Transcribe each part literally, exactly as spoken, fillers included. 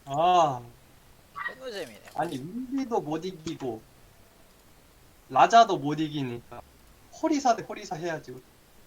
아, 개노잼이네. 아니 윈디도 못 이기고 라자도 못 이기니까 호리사 대 호리사 해야지.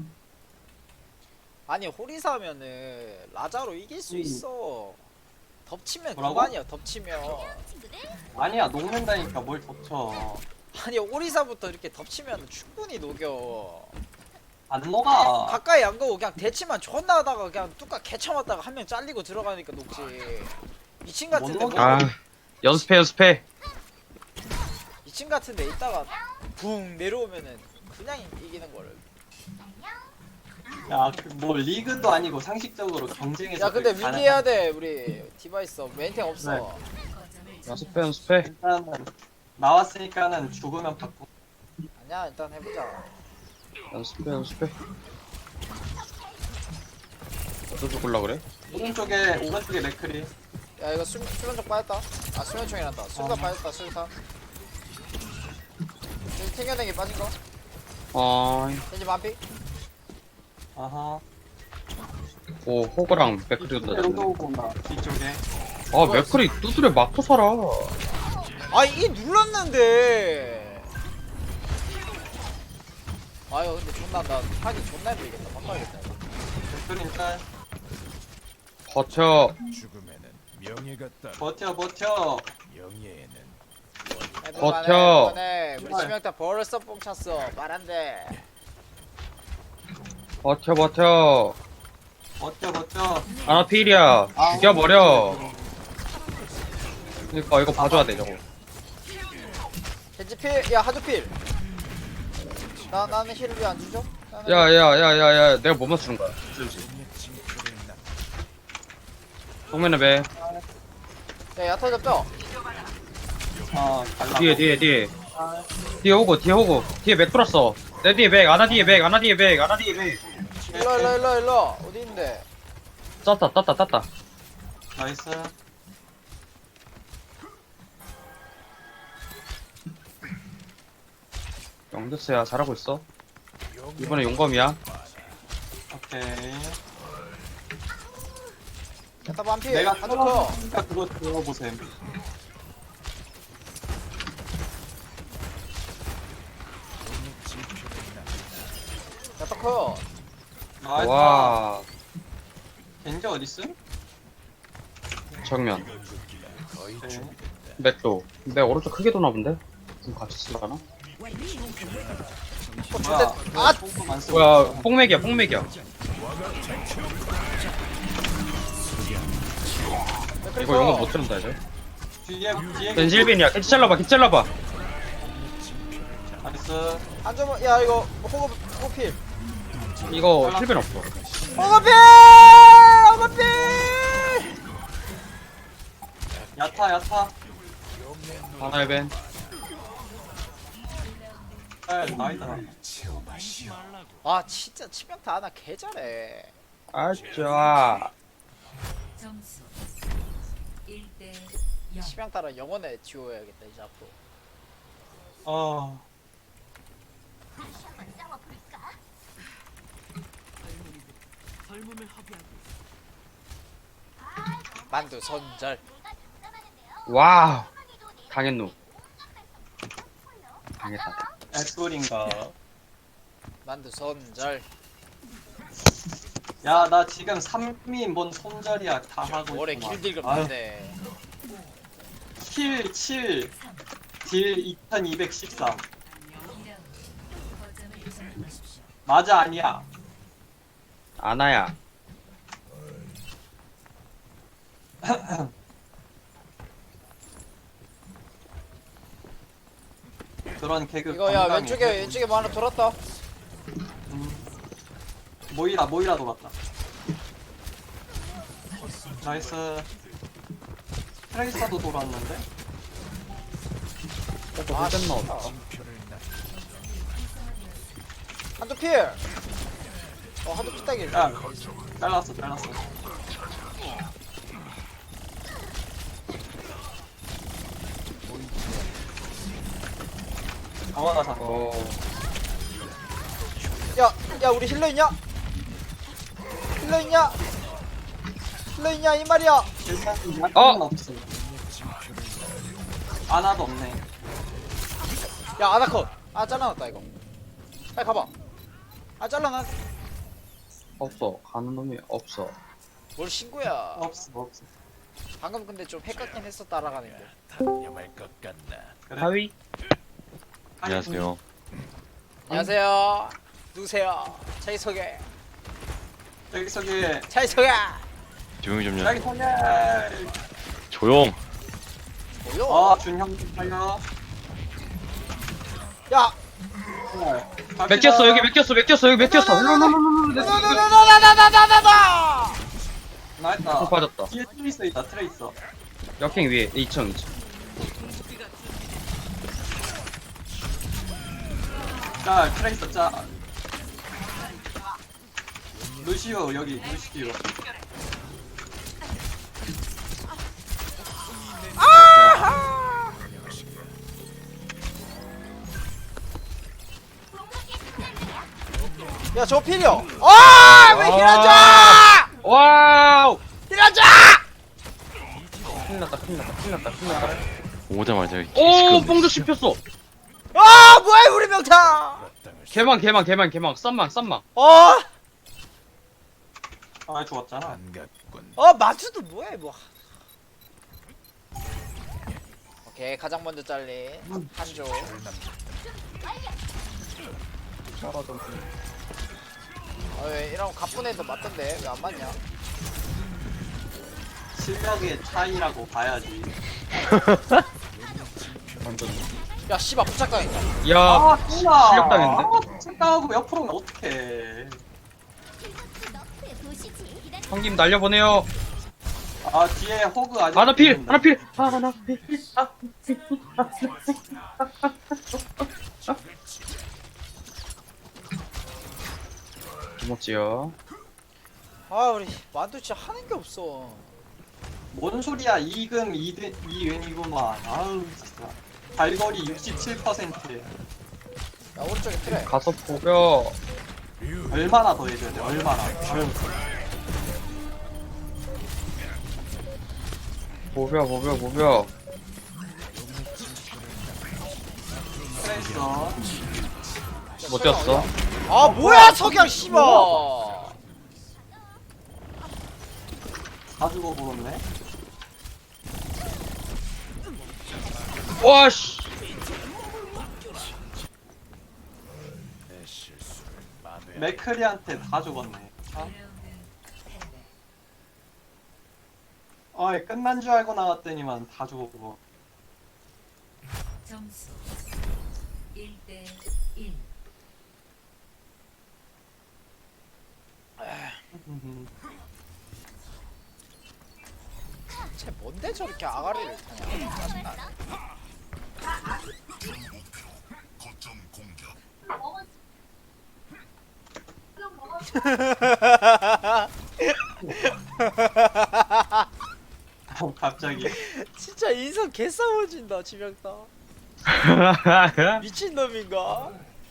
아니 호리사면은 라자로 이길 수 음. 있어. 덮치면 뭐라고? 그만이야. 덮치면. 아니야, 녹는다니까 뭘 덮쳐. 아니 호리사부터 이렇게 덮치면 충분히 녹여. 안 녹아. 가까이 안 가고 그냥 대치만 존나 하다가 그냥 뚜까 개쳐맞다가 한 명 잘리고 들어가니까 녹지. 미친 같은데 못 뭐, 녹아. 아 연습해 연습해. 미친 같은데 있다가 붕 내려오면은 그냥 이기는 거를. 야, 그 뭐 리그도 아니고 상식적으로 경쟁에서. 야 근데 그게 윈디 가능한- 해야 돼 우리 디바이스 멘탱 없어. 네. 연습해 연습해. 일단은 나왔으니까는 죽으면 받고. 아니야 일단 해보자. 연습해 연습해. 어디서 죽을라 그래? 오른쪽에 오른쪽에 맥크리. 야 이거 수, 수면총 빠졌다. 아 수면총이란다. 수류탄 어. 빠졌다 수류탄. 여기 탱겨내기 빠진 거. 아, 겐지 만피. 아하. 오 호그랑 맥크리도 이쪽에 나졌네. 로드 온다. 뒤쪽에. 아 맥크리 두드려 맞고 살아. 아 이 눌렀는데. 아유 근데 존나 나 하기 존나 힘들겠다. 바꿔야겠다 이거. 맥크리 일단 버텨. 죽음에는 명예가 따라 버텨 버텨. 명예에는 해볼만해, 버텨. 해볼만해. 우리 제발. 치명타 벌써 뽕 찼어. 말 안 돼. 버텨 버텨. 버텨 버텨. 아나 필이야. 아, 죽여버려. 그니까 이거 봐줘야 돼 저거. 겐지 필. 야 하드 필. 나 나는 힐을 왜 안 주죠? 나는 야야야야야 내가 뭐 맞추는 거야? 명예 징표를 남 정면에 배. 야 야타 잡죠. 아, 달라. 뒤에 뒤에 뒤에. 아, 뒤에 호구 뒤에 호구. 뒤에 맥 돌았어. 내 뒤에 맥 아나 뒤에 맥 아나 뒤에 맥 아나 뒤에 맥. 일로 일로 일로 일로. 어디 있는데? 땄다 땄다 땄다. 나이스. 영드스야 잘하고 있어. 이번에 용검이야. 오케이. 야타 반피. 내가 하드 커. 하니까 그거 들어보셈. 징표를 남 야타 커. 나이스. 와 겐지 어딨음? 정면. 거의 오케이. 준비된다. 맥도. 내 오른쪽 크게 도나 본데? 좀 같이 쓰려나? 어, 뭐야? 존댓- 아! 뽕뽕 안 쓰고 뭐야 있어. 뽕맥이야 뽕맥이야. 이거 용검 못 들은다 이제. 뒤에 뒤에 벤실빈이야. 캐치 잘라봐 캐치 잘라봐. 나이스. 한 점은 야 이거 호급 호급 필. 이거 힐벤 없어. 호급 필. 호급 필. 야타 야타. 하나 힐벤. 아, 나이다. 아 진짜 치명타 하나 개 잘해. 아 좋아. 점수 일 대 영. 치명타는 영원에 지워야겠다 이제 앞으로. 어. 만두 선절. 와우. 당했노. 당했다. 애플인가. 만두 선절. 야, 나 지금 삼미 뭔 손절이야 다 하고 올해 있구만. 길딜급 아유, 되네. 킬 칠, 딜 이천이백십삼. 거점을 점령하십시오. 맞아 아니야? 아나야. 그런 개그. 이거 야 감당해. 왼쪽에 왼쪽에 뭐 하나 돌았다. 음. 모이라 모이라 돌았다. 나이스. 트레이서도 돌았는데? 아 힐벤 씨. 나왔다. 징표를 남 한두 필. 어 한두 피따기. 야, 잘랐어 잘랐어. 강화가 잡. 어. 야, 야 우리 힐러 있냐? 힐러 있냐? 힐러 있냐 이 말이야. 일단 약간 어! 없어. 아나도 없네. 야 아나컷. 아 잘라놨다 이거. 빨리 가봐. 아 잘라놨. 없어. 가는 놈이 없어. 뭘 신고야. 없어 없어. 방금 근데 좀 헷갈긴 했어 따라가는 게. 단념할 것 같나? 그래. 하위? 안녕하세요. 안녕하세요. 누구세요? 자기 소개. 저기 저기 자기 소개. 조용히 좀요. 저기 소개. 조용. 뭐요? 어 준형 좀 살려. 야. 몇 꼈어 여기 몇 꼈어 몇 꼈어 여기 몇 꼈어. 나나나나나나나나나. 나했다. 어, 빠졌다. 뒤에 트레이서 있다 트레이서. 역행 위에 이층 이층. 자 트레이서 짜. 루시오 여기 루시오. 아하. 야, 저 필요. 아, 왜 힐러줘? 와우. 힐러줘! 큰일 났다 큰일 났다 큰일 났다 큰일 났다. 오자마자 오 뽕도 씹혔어. 아, 뭐야, 우리 명타. 개망 개망 개망 개망 쌈망 쌈망. 어, 아 죽었잖아. 반갑군. 어, 마주도 뭐야, 뭐. 오케이, 가장 먼저 잘린 한조. 아, 왜 이런 가쁜 애도 맞던데 왜 안 맞냐? 실력의 차이라고 봐야지. 완전. 야, 씨발 부착당했다. 야 아 씨나. 실력 당했네. 착당하고 옆으로는 어떡해. 황김 날려보내요. 아 뒤에 호그 아직. 하나 필 있는데. 하나 필 하나 필. 아. 김었지요. 아, 우리 만두 진짜 하는 게 없어. 뭔 소리야 이금 이든 이은이구만. 아우 진짜. 발거리 육십칠 퍼센트. 야, 오른쪽에 트레. 가서 보여. 얼마나 더 해줘야 돼? 얼마나? 보여 보여 보여. 트레이서. 못 뛰었어. 아, 뭐야, 석양 씨발. 다 죽어 보았네. 와씨. 내 실수를 만회. 맥크리한테 다 죽었네. 아, 어이 끝난 줄 알고 나왔더니만 다 죽었고. 점수 일 대 일. 쟤 뭔데 저렇게 아가리를 타냐? 짜증나. 어, 갑자기. 진짜 인성 개싸워진다 지명타. 미친놈인가?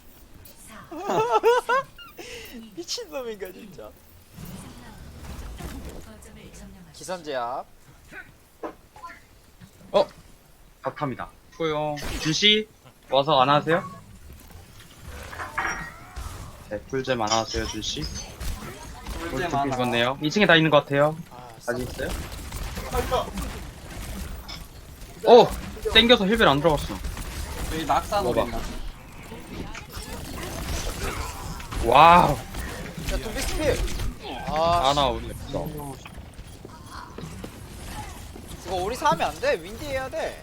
미친놈인가 진짜. 거점을 점령하십시오. 기선제압. 어? 박합니다. 수고요. 준씨 와서 안 하세요? 네, 꿀잼 안 하세요, 준씨? 꿀잼 꿀잼 하나. 죽었네요. 이 층에 다 있는 것 같아요. 아, 아직 있어요? 오! 땡겨서 힐벨 안 들어갔어. 여기 낙사 먹어봐. 노린다. 와우! 야, 또 미스필. 아, 아나 우리 없어. 이거 우리 사하면 안 돼. 윈디 해야 돼.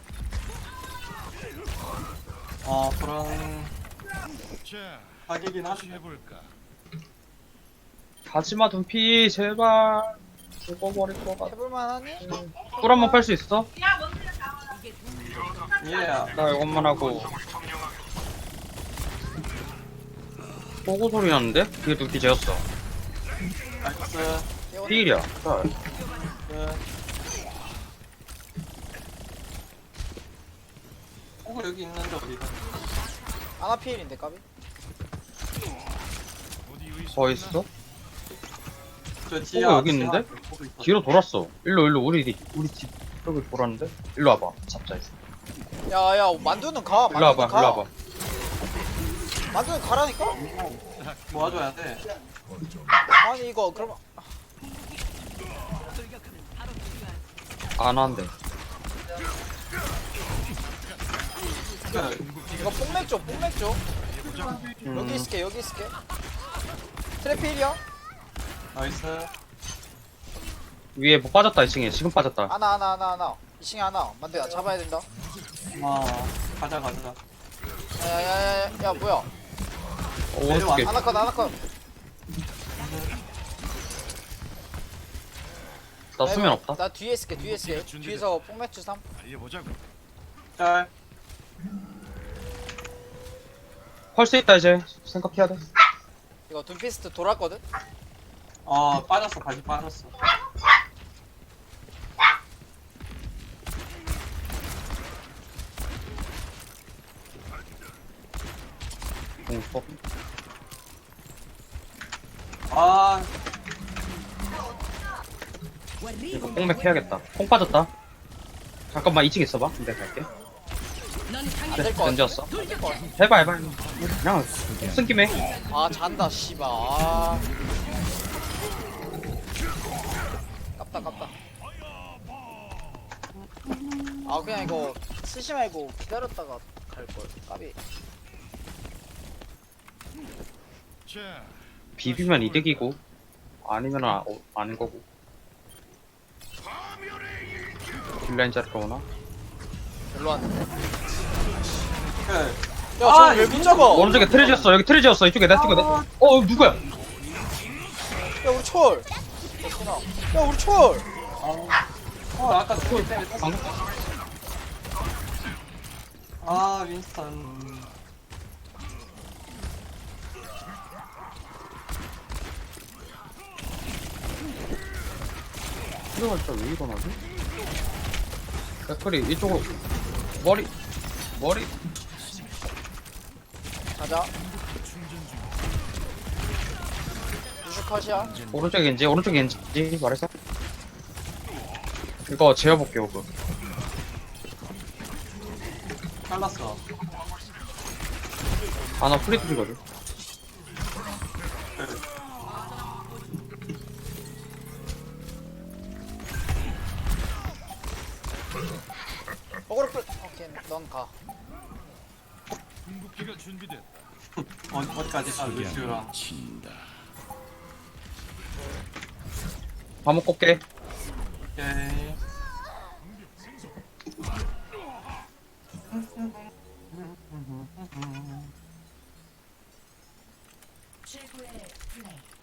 어 그런 자, 가격이긴 다시 한데. 해볼까? 가지마 둠피 제발. 죽어버릴 것 같아. 해볼만하니? 꿀 한 번 팔 수 있어? 예. 나 이것만 하고. 보고 소리 나는데? 그게 둠피 제였어. 나이스. 필이야. 그. 호그 여기 있는데 어디가? 아나필인데 까비? 어디 의심 더 있어? 저 뒤에 호그 여기 있는데? 앞에 또 있어. 뒤로 돌았어. 일로 일로 우리 집- 우리 집 여기 돌았는데. 일로 와봐. 잡자 이제. 야야 만두는 가. 일로 와봐. 만두는 가. 일로 와봐. 만두는 가라니까. 모아줘야 돼. 아니 이거 그럼 안 한대. 이거 뽕맥 줘. 뽕맥 줘. 음, 여기 있을게. 여기 있을게. 트래필이야. 나이스. 위에 뭐 빠졌다 이 층에. 지금 빠졌다. 하나 하나 하나 하나. 이 층에 하나. 만두야 잡아야 된다. 아, 가자, 가자. 야야야야 야 뭐야? 어, 오른쪽에. 하나 컷 하나 컷. 나 수면 없다. 나 뒤에 있을게. 뒤에 있을게. 뒤에서 뽕맥 주 삼. 달려보자고. 짤. 펄스 있다 이제. 생각해야 돼. 이거 둠피스트 돌았거든. 어, 빠졌어, 다시 빠졌어. 공법. 아, 이거 뽕맥 해야겠다. 뽕 빠졌다. 잠깐만 이 층에 있어봐. 근데 갈게. 안될것 같아. 던졌어. 안될것 같아. 해봐 해봐. 그냥 쓴 김에. 아 잔다 씨발. 아. 깝다 깝다. 아 그냥 이거 쓰지 말고 기다렸다가 갈 걸. 까비. 자, 비비면 이득이고 아니면 아, 어, 아닌 거고. 딜라인 자리가 오나? 별로 왔는데. 그, 야 아, 저왜 이거 못 잡아? 오른쪽에 트레지였어. 여기 트레지였어. 이쪽에 내 찍어. 내. 어 어, 누구야? 야 우리 철. 됐구나. 야 우리 철. 어, 아까 그거 때문에 탔어. 방금 아, 윈스턴. 트레가 진짜 왜 일어나지? 백클이 이쪽으로 머리 머리 가자. 유슈 컷이야. 오른쪽에 겐지 오른쪽에 겐지 말했어? 이거 재워볼게 오그. 잘랐어. 아나 프리트리거든. 어그로 끌. 오케이 넌 가. 궁극기가 준비됐다. 어, 어디까지 가, 루시우랑. 친다. 한번 꼽게. 오케이. 최고의 플레이.